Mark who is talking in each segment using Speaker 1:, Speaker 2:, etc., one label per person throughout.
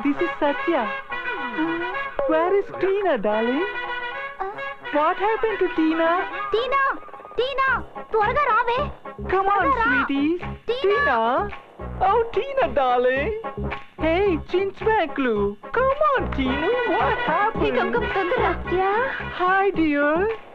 Speaker 1: this is Satya. Where is Tina, darling? What happened to Tina?
Speaker 2: టీనా టీనా త్వరగా రావే.
Speaker 1: Come on, sweeties. Tina. Oh, Tina, darling. Hey, Chinchmaklu. Come on, Tina. What happened?
Speaker 2: Satya
Speaker 1: Hi, dear.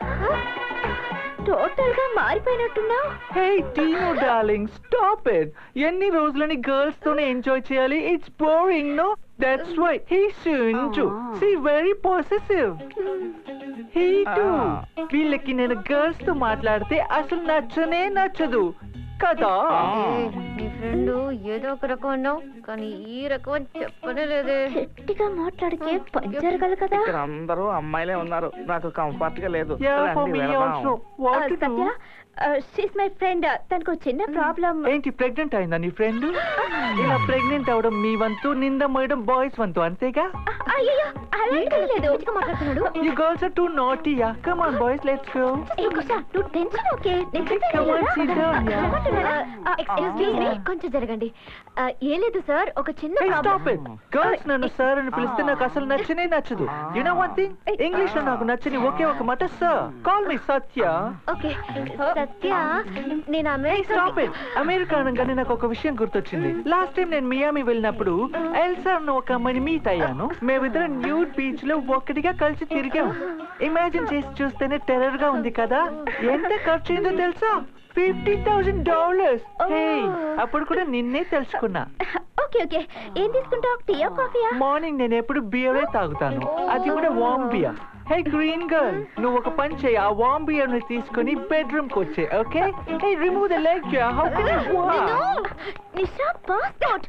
Speaker 2: Total గా మారిపోయినట్టున్నావు.
Speaker 1: Hey, Tina, darling. Stop it. ఎన్ని రోజులని girls తోనే enjoy చేయాలి? It's boring, no? That's why he's so into. See, very possessive. He too. వీళ్ళకి నేను girls తో మాట్లాడితే అసలు నచ్చనే నచ్చదు కదా.
Speaker 2: నీ ఫ్రెండ్ ఏదో ఒక రకం అన్నావు కానీ ఈ రకం చెప్పనే లేదే. గట్టిగా మాట్లాడితే పంచరగలదు కదా.
Speaker 3: ఇక్కడ అందరూ అమ్మాయిలే ఉన్నారు, నాకు కంఫర్ట్ గా లేదు.
Speaker 1: Yeah, for me also. What to do?
Speaker 2: Satya she's my friend. తనకు చిన్న ప్రాబ్లం.
Speaker 1: ఏంటి ప్రెగ్నెంట్ అయిందా నీ ఫ్రెండ్? ఇలా ప్రెగ్నెంట్ అవడం మీ వంతు, నింద మోయడం బాయ్స్ వంతు, అంతేగా?
Speaker 2: అయ్యో అలాంటిది లేదు. మంచిగా మాట్లాడుతున్నాడు.
Speaker 1: You girls are too naughty, yeah. Come on boys, let's go.
Speaker 2: ఏ కుషా నువ్వు tension okay.
Speaker 1: Come on, sit down, yeah.
Speaker 2: Excuse me కొంచెం జరగండి. ఏం లేదు సార్, ఒక చిన్న
Speaker 1: Hey, stop
Speaker 2: problem.
Speaker 1: it. Girls నన్ను సార్ అని పిలిస్తే నాకు అసలు నచ్చనే నచ్చదు. You know one thing? English లో నాకు నచ్చని ఒకే ఒక మాట sir. Call me Satya.
Speaker 2: Okay Satya నేను
Speaker 1: Stop it. అమెరికా అనగానే నాకు ఒక విషయం గుర్తొచ్చింది. లాస్ట్ టైం నేను మియామి వెళ్ళినప్పుడు ఎల్సా అన్న ఒక అమ్మాయిని మీట్ అయ్యాను. మేమిద్దరం న్యూడ్ బీచ్ లో ఒక్కటిగా కలిసి తిరిగాం. ఇమాజిన్ చేసి చూస్తేనే టెర్రర్ గా ఉంది కదా. ఎంత ఖర్చు అయిందో తెలుసా? $50,000. అప్పుడు కూడా నిన్నే తెలుసుకున్నా.
Speaker 2: ఓకే ఓకే ఏం తీసుకుంటావు? టీయా కాఫీయా?
Speaker 1: మార్నింగ్ నేను ఎప్పుడు బియరే తాగుతాను, అది కూడా warm beer. Hey green girl, నువ్వు ఒక పని చేయి, ఆ వామ్ బియర్ ని తీసుకుని బెడ్రూమ్ కి వచ్చే. Okay? Hey remove the leg. How can you walk?
Speaker 2: Nisha passport.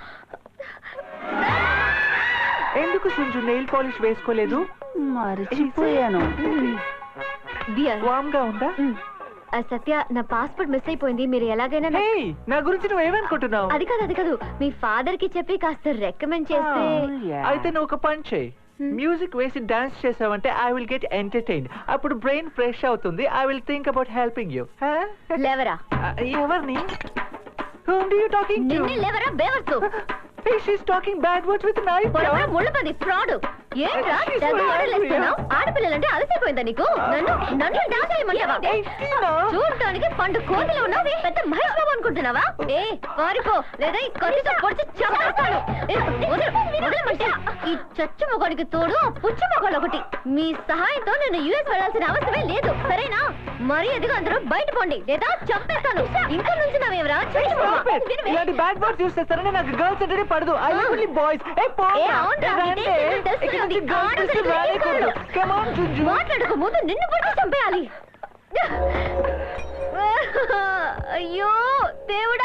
Speaker 1: ఎందుకు సుంజు నెయిల్ పాలిష్ వేసుకోలేదు?
Speaker 4: మర్చిపోయాను.
Speaker 2: బియర్
Speaker 1: వామ్ గా ఉందా?
Speaker 2: సత్య నా పాస్పోర్ట్ మిస్ అయిపోయింది. మీరు ఎలాగైనా
Speaker 1: హే నా గురించి నువ్వు ఏమనుకుంటున్నావు?
Speaker 2: అది కాదు మీ ఫాదర్ కి చెప్పి కాస్త రికమెండ్ చేస్తే.
Speaker 1: అయితే నువ్వు ఒక పని చేయి, మ్యూజిక్ వేసి డాన్స్ చేసావంటే ఐ విల్ గెట్ ఎంటర్టైన్డ్. అప్పుడు బ్రెయిన్ ఫ్రెష్ అవుతుంది. I will think about helping you.
Speaker 2: లేవరా?
Speaker 1: ఎవరిని? Whom do you talking to?
Speaker 2: నిన్నే లేవరా బేవర్సు.
Speaker 1: Hey, she's talking bad words with a knife.
Speaker 2: పొరపాటు ముళ్ళపది ఫ్రాడ్. ఏంట్రా తెగ ఆడలేస్తున్నావు? ఆడపిల్లలంటే అలసిపోయిందా నీకు? నన్ను డాన్స్ చేయమంటావా? చూడటానికి పండు కోతిలో ఉన్నావు, పెద్ద మహేష్ బాబు అనుకుంటున్నావా? ఏ పారిపో లేదా ఈ కత్తితో పొడిచి చంపేస్తాను. వదలమంటే ఈ చచ్చు మొగాడికి తోడు ఆ పుచ్చు మొగాడు ఒకటి. మీ సహాయంతో నేను యుఎస్ వెళ్ళాల్సిన అవసరమే లేదు, సరేనా? మరి ఎదిగా అందరూ బయట పోండి లేదా చంపేస్తాను. ఇంకా నుంచి నావేవరా?
Speaker 1: ఇలాంటి బ్యాడ్ వర్డ్స్ యూస్ చేస్తారని నాకు గర్ల్స్ అంటే పడదు. I live only boys. ఏ పో.
Speaker 2: మాట్లాడక ముందు నిన్ను పట్టి చంపేయాలి. అయ్యో దేవుడా.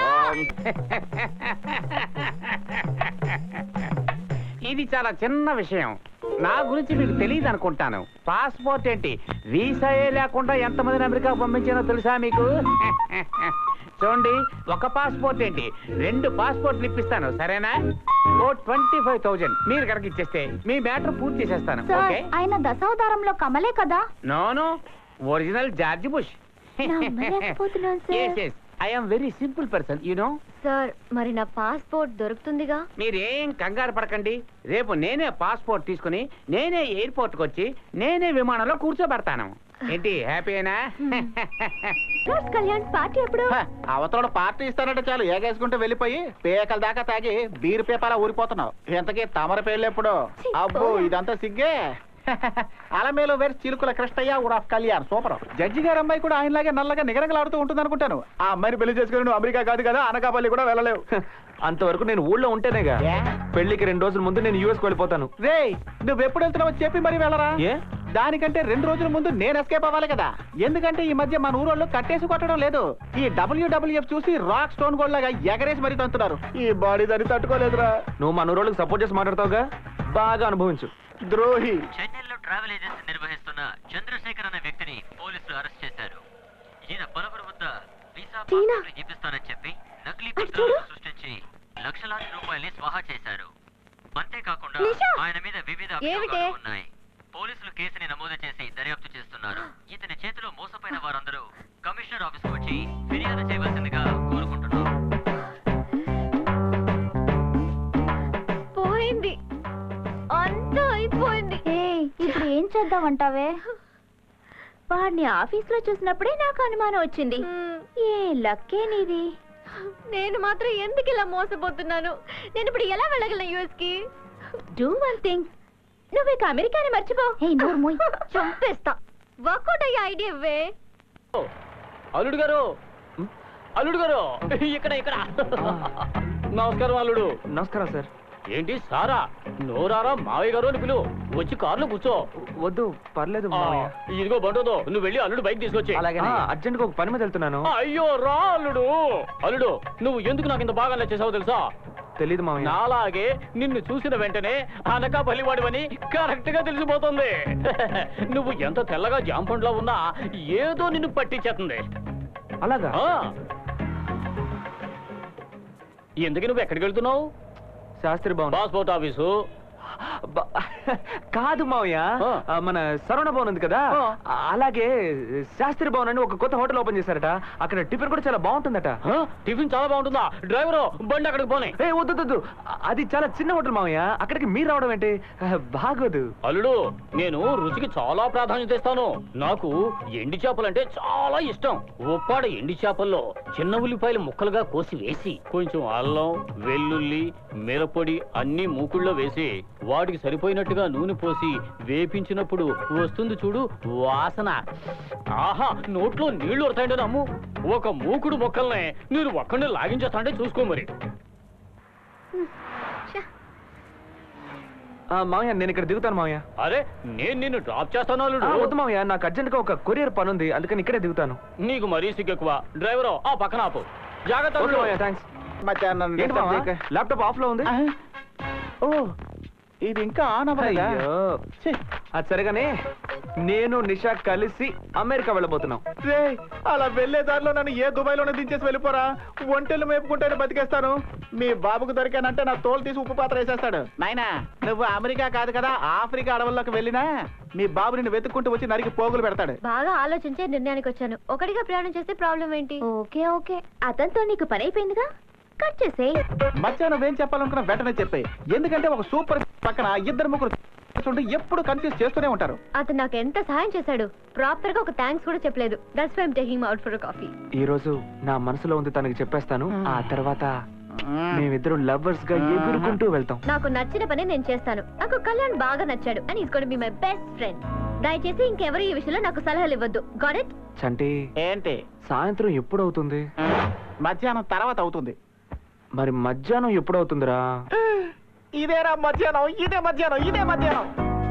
Speaker 3: ఇది చాలా చిన్న విషయం, నా గురించి మీకు తెలియదు అనుకుంటాను. పాస్పోర్ట్ ఏంటి, వీసాయే లేకుండా ఎంతమందిని అమెరికా పంపించానో తెలుసా మీకు? చూడండి, ఒక పాస్పోర్ట్ ఏంటి 2 పాస్పోర్ట్లు ఇప్పిస్తాను, సరేనా? ఓ 25,000 మీరు కనుక ఇచ్చేస్తే మీ మ్యాటర్ పూర్తి చేసేస్తాను. ఓకే?
Speaker 2: ఆయన దశావతారంలో కమలే కదా?
Speaker 3: No original George Bush. I am very simple person, you know.
Speaker 2: Sir మరి నా పాస్పోర్ట్ దొరుకుతుందిగా?
Speaker 3: మీరేం కంగారు పడకండి. రేపు నేనే పాస్పోర్ట్ తీసుకుని నేనే ఎయిర్పోర్ట్కి వచ్చి నేనే విమానంలో కూర్చోబెడతాను. ఏంటి హ్యాపీనా?
Speaker 2: కళ్యాణ్ పార్టీ ఎప్పుడు?
Speaker 4: అవతల పార్టీ ఇస్తానంటే చాలు ఏగేసుకుంటూ వెళ్ళిపోయి పేకల దాకా తాగి బీరు పేపాలా ఊరిపోతున్నావు. ఎంతకీ తమర పేర్లు ఎప్పుడు? అబ్బో ఇదంతా సిగ్గే. అలమేలో వేరు చిలుకుల కృష్ణయ్య వుడ్ ఆఫ్ కళ్యాణ్. సూపర్. జడ్జి గారు అమ్మాయి కూడా ఆయనలాగే నల్లగా నిగరగలాడుతూ ఉంటుంది అనుకుంటాను. ఆ అమ్మాయిని పెళ్లి చేసుకుని నువ్వు అమెరికా కాదు కదా, అనకాపల్లి కూడా వెళ్ళలేవు.
Speaker 1: అంతవరకు నేను ఊళ్ళో ఉంటేనేగా. పెళ్లికి 2 రోజుల ముందు నేను యూఎస్ వెళ్ళిపోతాను.
Speaker 4: రే నువ్వు ఎప్పుడు వెళ్తున్నావో చెప్పి మరి వెళ్ళరా? దానికంటే 2 రోజుల ముందు నేను ఎస్కేప్ అవ్వాలి కదా. ఎందుకంటే ఈ మధ్య మన ఊరోళ్ళు కట్టేసి కొట్టడం లేదు. ఈ WWF చూసి రాక్ స్టోన్ గోల్డ్ లాగా ఎగరేసి మరీ తంతున్నారు. ఈ బాడీ దాన్ని తట్టుకోలేదురా.
Speaker 1: నువ్వు మన ఊరోళ్ళకి సపోర్ట్ చేసి మాట్లాడతావుగా, బాగా అనుభవించు.
Speaker 4: ద్రోహి.
Speaker 5: చెన్నైలో ట్రావెల్ ఏజెన్సీ నిర్వహిస్తున్న చంద్రశేఖర్ అనే వ్యక్తిని పోలీసులు అరెస్ట్ చేశారు. ఈయన పలువురు వద్ద వీసా పాస్పోర్ట్లు చూపిస్తానని చెప్పి నకిలీ పత్రాలను సృష్టించి లక్షలాది రూపాయల్ని స్వాహా చేశారు. అంతేకాకుండా ఆయన మీద వివిధ అభియోగాలు ఉన్నాయి. పోలీసులు కేసుని నమోదు చేసి దర్యాప్తు చేస్తున్నారు. ఇతని చేతిలో మోసపోయిన వారందరూ కమిషనర్ ఆఫీస్కి వచ్చి ఫిర్యాదు చేయవలసిందిగా కోరుకుంటున్నారు.
Speaker 2: పోయింది. ఇప్పుడు ఏం చేద్దామంటావే? వాడిని ఆఫీస్లో చూసినప్పుడే నాకు అనుమానం వచ్చింది. ఏ లక్కే నీది. నేను మాత్రం ఎందుకు ఇలా మోసపోతున్నాను? నేను ఇప్పుడు ఎలా వెళ్ళగలను యూఎస్ కి? డూ వన్ థింగ్, నువ్వు ఇక అమెరికాని మర్చిపో. చంపేస్తా. వర్కౌట్ అయ్యే ఐడియా ఇవ్వే.
Speaker 5: అల్లుడు గారు, అల్లుడు గారు, ఇక్కడ ఇక్కడ. నమస్కారం అల్లుడు.
Speaker 1: నమస్కారం సార్.
Speaker 5: ఏంటి సారా, నోరారా మావయ్య గారు అని పిలువు. వచ్చి కారులో కూర్చో.
Speaker 1: వద్దు, పర్లేదు
Speaker 5: ఆ,
Speaker 1: మావయ్య.
Speaker 5: ఇదిగో బండోదో, నువ్వు వెళ్ళి అల్లుడు బైక్ తీసుకొచ్చి.
Speaker 1: అర్జెంట్ గా ఒక పని మీద వెళ్తున్నాను.
Speaker 5: అయ్యో రా అల్లుడు. అల్లుడు, నువ్వు ఎందుకు నాకు ఇంత బాగా నచ్చేసావు తెలుసా?
Speaker 1: తెలీదు మావయ్య.
Speaker 5: నాలాగే నిన్ను చూసిన వెంటనే అనకా బలివాడివని కరెక్ట్ గా తెలిసిపోతుంది. నువ్వు ఎంత తెల్లగా జాంపండ్లో ఉన్నా ఏదో నిన్ను పట్టించేస్తుంది.
Speaker 1: అలాగా?
Speaker 5: ఆ. ఎందుకు నువ్వు ఎక్కడికి వెళ్తున్నావు?
Speaker 1: శాస్త్రి భవన్.
Speaker 5: Passport office.
Speaker 1: కాదు మావయ్య, మన సరవణ భవన్ ఉంది కదా, అలాగే శాస్త్రి భవన్ అని ఒక కొత్త హోటల్ ఓపెన్ చేశారట. అక్కడ టిఫిన్ కూడా చాలా బాగుంటుందట.
Speaker 5: టిఫిన్ చాలా బాగుంటుందా? డ్రైవరు బండి అక్కడికి పోనీ.
Speaker 1: ఏ వద్దు, అది చాలా చిన్న హోటల్ మావయ్య. అక్కడికి మీరు రావడం ఏంటి? బాగోదు.
Speaker 5: అల్లుడు, నేను రుచికి చాలా ప్రాధాన్యత ఇస్తాను. నాకు ఎండి చేపలంటే చాలా ఇష్టం. ఉప్పాడ ఎండి చేపల్లో చిన్న ఉల్లిపాయలు ముక్కలుగా కోసి వేసి కొంచెం అల్లం, వెల్లుల్లి, మిరపొడి అన్ని మూకుళ్ళో వేసి వాటికి సరిపోయినట్టుగా నూనె పోసి వేపించినప్పుడు వస్తుంది చూడు వాసన. ఆహా, నోట్లో నీళ్లు వస్తాయంటే నమ్ము. ఒక మూకుడు మొక్కల్ని నేను ఒక్కడిని లాగించేస్తాంటే చూసుకో మరి.
Speaker 1: మావయ్య, నేను ఇక్కడ దిగుతాను మావయ్య.
Speaker 5: అరే, నేను నిన్ను డ్రాప్ చేస్తాను అల్లుడు.
Speaker 1: వద్దు మావయ్య, నాకు అర్జెంట్ గా ఒక కొరియర్ పని ఉంది, అందుకని ఇక్కడే దిగుతాను.
Speaker 5: నీకు మరీ సిగ్గెక్కువ. డ్రైవరు ఆ పక్కన ఆపు. జాగ్రత్త అల్లుడు.
Speaker 1: మావయ్య, థ్యాంక్స్.
Speaker 4: మధ్యాహ్నం
Speaker 1: ఏంటి మావయ్య, ల్యాప్టాప్ ఆఫ్ లో ఉంది?
Speaker 4: ఓ, ఇది ఇంకా ఆన్ అవ్వలేదా?
Speaker 1: అయ్యో.
Speaker 4: ఛీ.
Speaker 1: అది సరిగానే నేను నిషా కలిసి అమెరికా వెళ్ళబోతున్నాం.
Speaker 4: రేయ్, అలా వెళ్లే దారిలో నన్ను ఏ దుబాయ్లోనే దించేసి వెళ్ళిపోరా. ఒంటెలు మేపుకుంటేనే బతికేస్తాను. మీ బాబుకు దొరికానంటే నా తోలు తీసి ఉప్పు పాత్ర వేసేస్తాడు. నాయనా, నువ్వు అమెరికా కాదు కదా, ఆఫ్రికా అడవుల్లోకి వెళ్ళినా మీ బాబు నిన్ను వెతుక్కుంటూ వచ్చి నరికి పోగులు పెడతాడు.
Speaker 2: బాగా ఆలోచించే నిర్ణయానికి వచ్చాను. ఒకటిగా ప్రయాణం చేస్తే ప్రాబ్లం ఏంటి? ఓకే, అతనితో నీకు పని అయిపోయిందిగా, కట్ చేసే.
Speaker 4: మధ్య నువ్వేం చెప్పాలనుకున్నా వెంటనే చెప్పాయి. ఎందుకంటే ఒక సూపర్ పక్కన ఇద్దరు ముగ్గురు ఎప్పుడు కన్ఫ్యూజ్ చేస్తూనే ఉంటారు.
Speaker 2: అతను నాకు ఎంత సహాయం చేశాడు. ప్రాపర్ గా ఒక థ్యాంక్స్ కూడా చెప్పలేదు. That's why I'm taking him out for coffee.
Speaker 1: ఈ రోజు నా మనసులో ఉంది తనకి చెప్పేస్తాను. ఆ తర్వాత మేమిద్దరం లవర్స్ గా ఎగురుకుంటూ వెళ్తాం.
Speaker 2: నాకు నచ్చిన పని నేను చేస్తాను. నాకు కళ్యాణ్ బాగా నచ్చాడు and is going to be my best friend. దయచేసి ఇంకెవరు ఈ విషయంలో నాకు సలహాలు ఇవ్వద్దు. Got it?
Speaker 1: చంటి,
Speaker 4: ఏంటి?
Speaker 1: సాయంత్రం ఎప్పుడు అవుతుంది?
Speaker 4: మధ్యాహ్నం తర్వాత అవుతుంది.
Speaker 1: మరి మధ్యాహ్నం ఎప్పుడు అవుతుందిరా?
Speaker 4: ఇదేరా మధ్యాహ్నం, ఇదే మధ్యాహ్నం.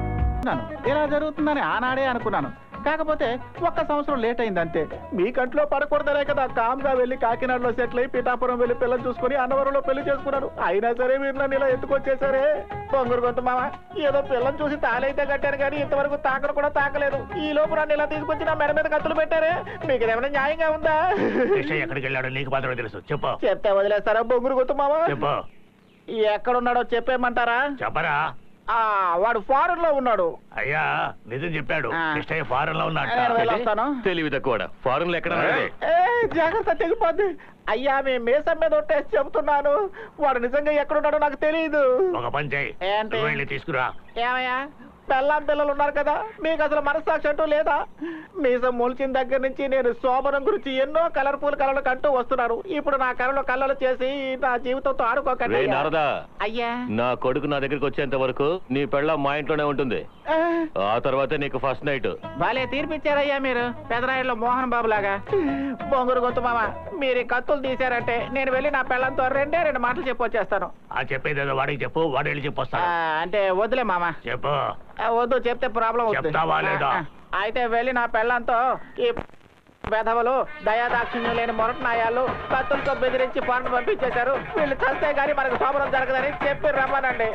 Speaker 4: ఇలా జరుగుతుందని ఆనాడే అనుకున్నాను. కాకపోతే ఒక్క సంవత్సరం లేట్ అయిందంతే. మీ కంట్లో పడకూడదనే కదా కామ్గా వెళ్ళి కాకినాడలో సెటిల్ అయి పిఠాపురం వెళ్ళి పిల్లలు చూసుకుని అన్నవరంలో పెళ్లి చేసుకున్నాను. అయినా సరే మీరు నన్ను ఇలా ఎత్తుకొచ్చేసరే. బొంగురు గొంతు మామ, ఏదో పిల్లలు చూసి తాళైతే కట్టారు కానీ ఇంతవరకు తాకను కూడా తాకలేదు. ఈ లోపు నన్ను ఇలా తీసుకొచ్చి నా మెడ మీద కత్తులు పెట్టారే. మీకు ఏమైనా న్యాయంగా ఉందా?
Speaker 5: ఎక్కడికి వెళ్ళాడో నీకు మాత్రమే తెలుసు. చెప్పు.
Speaker 4: చెప్తే వదిలేస్తారా బొంగురు గొంతు మామ?
Speaker 5: చెప్పు.
Speaker 4: ఎక్కడున్నాడో చెప్పేయమంటారా?
Speaker 5: చెప్పరా.
Speaker 4: వాడు ఫారెన్ లో ఉన్నాడు.
Speaker 5: అయ్యా, నిజం చెప్పాడు. కృష్ణయ్య ఫారెన్ లో
Speaker 4: నేను వెళ్ళొస్తాను.
Speaker 5: తెలివి తక్కువ. ఫారెన్ లో ఎక్కడ?
Speaker 4: జాగ్రత్త, తెగిపోద్ది. అయ్యా, మీ మీసం మీద ఒట్టేసి చెబుతున్నాను. వాడు నిజంగా ఎక్కడున్నాడో నాకు తెలియదు.
Speaker 5: ఒక పని చేయి,
Speaker 4: ఏంటి?
Speaker 5: వెళ్ళి తీసుకురా.
Speaker 4: ఏమయ్యా, పెళ్ళాం పిల్లలు ఉన్నారు కదా, మీకు అసలు మనస్సాక్షి అంటూ లేదా? మీసం మొలిచిన దగ్గర నుంచి నేను శోభనం గురించి ఎన్నో కలర్ఫుల్ కళలు కంటూ వస్తున్నాను. ఇప్పుడు నా కళలో కళ్ళలు చేసి నా జీవితంతో ఆడుకోకండి. అయ్యా,
Speaker 6: నా కొడుకు నా దగ్గరికి వచ్చేంత వరకు నీ పెళ్ళ మా ఇంట్లోనే ఉంటుంది. ఆ తర్వాత నీకు ఫస్ట్ నైట్.
Speaker 4: భలే తీర్పిచ్చారయ్యా మీరు, పెదరాయుడులో మోహన్ బాబు లాగా. బొంగురు గొంతు మామ, మీరు ఈ కత్తులు తీశారంటే నేను వెళ్ళి నా పెళ్ళంతో రెండు మాటలు చెప్పొచ్చేస్తాను.
Speaker 5: ఆ చెప్పేదేదో వాడికి చెప్పు, వాడు వెళ్ళి చెప్పొస్తాడు.
Speaker 4: అంటే వద్దులే మామ.
Speaker 5: చెప్పు.
Speaker 4: వద్దు, చెప్తే ప్రాబ్లం
Speaker 5: చెప్తావా లేదా?
Speaker 4: అయితే వెళ్ళి నా పెళ్ళంతో ఈ వెధవలు దయాదాక్షిణ్యం లేని మొరటనాయాలు కత్తులతో బెదిరించి పనులు పంపించేశారు. వీళ్ళు చస్తే గానీ మనకు శోభనం జరగదని చెప్పి రమ్మనండి.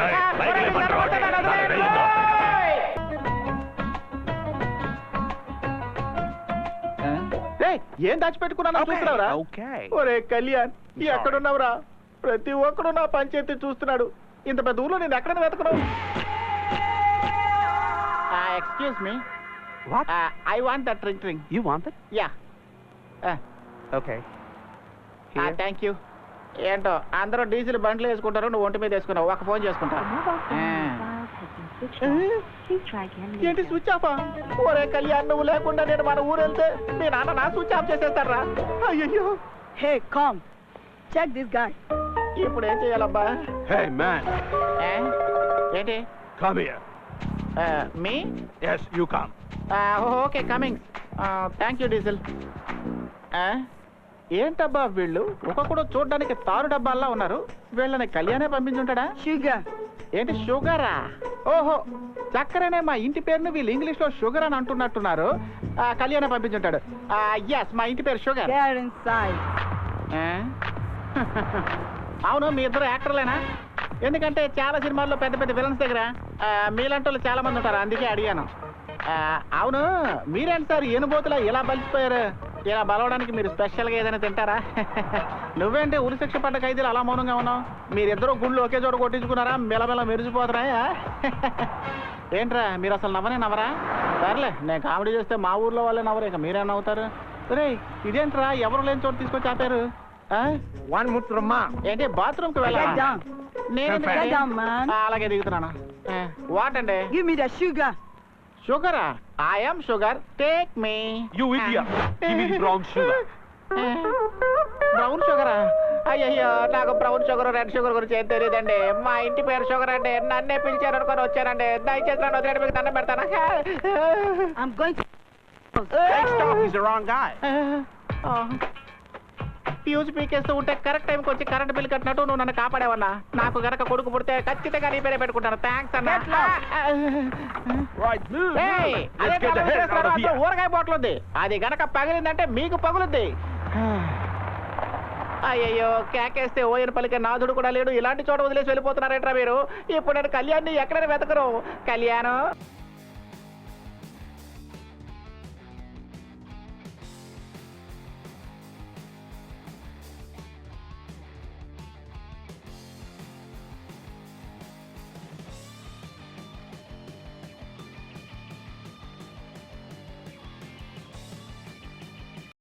Speaker 4: ఏం దాచిపెట్టుకున్నా చూస్తున్నావురా? ఒరే కళ్యాణ్, ఎక్కడున్నావురా? ప్రతి ఒక్కడు నా పంచాయతీ చూస్తున్నాడు. ఇంత పెద్ద ఊర్లో నేను ఎక్కడ వెతకను? Excuse me.
Speaker 1: What?
Speaker 4: I want that ring.
Speaker 1: You want it?
Speaker 4: Yeah.
Speaker 1: Okay.
Speaker 4: Thank you. ఏంటో అందరూ డీజిల్ బండ్లు వేసుకుంటారు, నువ్వు ఒంటి మీద వేసుకున్నావు. ఒక ఫోన్ చేసుకుంటా. ఏంటి స్విచ్ ఆఫా? ఓరే కళ్యాణ్, నువ్వు లేకుండా నేను మన ఊరు వెళ్తే మీ నాన్న నా స్విచ్ ఆఫ్ చేసేస్తారా? అయ్యో,
Speaker 7: Hey, come. Check this guy.
Speaker 4: ఇప్పుడు ఏం చేయాలబ్బా?
Speaker 8: Hey, man,
Speaker 4: ఏంటి
Speaker 8: come here.
Speaker 4: మీ
Speaker 8: Yes, you come.
Speaker 4: Okay, coming. Thank you diesel. ఏంటబ్బా వీళ్ళు ఒక్కొక్కడు చూడడానికి తారు డబ్బాల్లా ఉన్నారు. వీళ్ళని కళ్యాణే పంపించుంటాడా?
Speaker 7: Sugar.
Speaker 4: ఏంటి షుగరా? ఓహో, చక్కరనే మా ఇంటి పేరును వీళ్ళు ఇంగ్లీష్ లో షుగర్ అని అంటున్నట్టున్నారు. కళ్యాణే పంపించుంటాడు. ఎస్, మా ఇంటి పేరు షుగర్.
Speaker 7: Get inside.
Speaker 4: అవును, మీ ఇద్దరు యాక్టర్లేనా? ఎందుకంటే చాలా సినిమాల్లో పెద్ద పెద్ద విలన్స్ దగ్గర మీలాంటి వాళ్ళు చాలా మంది ఉంటారు, అందుకే అడిగాను. అవును, మీరేంటి సార్ ఏనుబోతులా ఇలా బలిసిపోయారు? ఇలా బలవడానికి మీరు స్పెషల్గా ఏదైనా తింటారా? నువ్వేంటి ఉరిశిక్ష పడ్డ ఖైదీలు అలా మౌనంగా ఉన్నావు? మీరిద్దరూ గుళ్ళు ఒకే చోట కొట్టించుకున్నారా? మెలమెల మెరిసిపోతున్నాయా? ఏంట్రా మీరు అసలు నవ్వరా? సర్లే, నేను కామెడీ చేస్తే మా ఊర్లో వాళ్ళే నవ్వరు, ఇక మీరే నవ్వుతారు. రే, ఇదేంట్రా ఎవరు లేని చోట తీసుకొచ్చి ఆపారు?
Speaker 8: One mutrama.
Speaker 4: ఏంటి బాత్రూమ్కి
Speaker 7: Get
Speaker 4: వెళ్ళా?
Speaker 7: down. Get down, man.
Speaker 4: అలాగే దిగుతున్నాను. వాట్ అండి?
Speaker 7: Give me the sugar.
Speaker 4: షుగరా? I'm sugar, take me.
Speaker 8: You idiot. Give me the brown sugar.
Speaker 4: Brown షుగరా? అయ్యయ్యో, నాకు బ్రౌన్ షుగర్ రెడ్ షుగర్ గురించి ఏం తెలియదండి. మా ఇంటి పేరు షుగర్ అండి, నన్నే పిలిచారు అనుకొని వచ్చానండి. దయచేసి నన్ను వదిలేండి, మీకు దండం పెడతాను.
Speaker 7: I'm going to.
Speaker 8: Hey, stop. He's the wrong guy.
Speaker 4: Fuse పీకేస్తూ ఉంటే కరెక్ట్ టైంకి వచ్చి కరెంట్ బిల్ కట్టినట్టు నువ్వు నన్ను కాపాడేవన్నా. నాకు గనక కొడుకు పుడితే ఖచ్చితంగా నీ పేరే పెట్టుకుంటాను. థ్యాంక్స్ అన్న.
Speaker 8: Right, move. Let's get the hell out of here.
Speaker 4: ఊరగాయ బాటిల్ ఉంది, అది గనక పగిలిందంటే మీకు పగులుద్ది. అయ్యయ్యో, కేకేస్తే ఓయన పలికే నాథుడు కూడా లేడు. ఇలాంటి చోట వదిలేసి వెళ్ళిపోతున్నారేట్రా మీరు? ఇప్పుడు నేను కళ్యాణ్ని ఎక్కడైనా వెతకరు. కళ్యాణం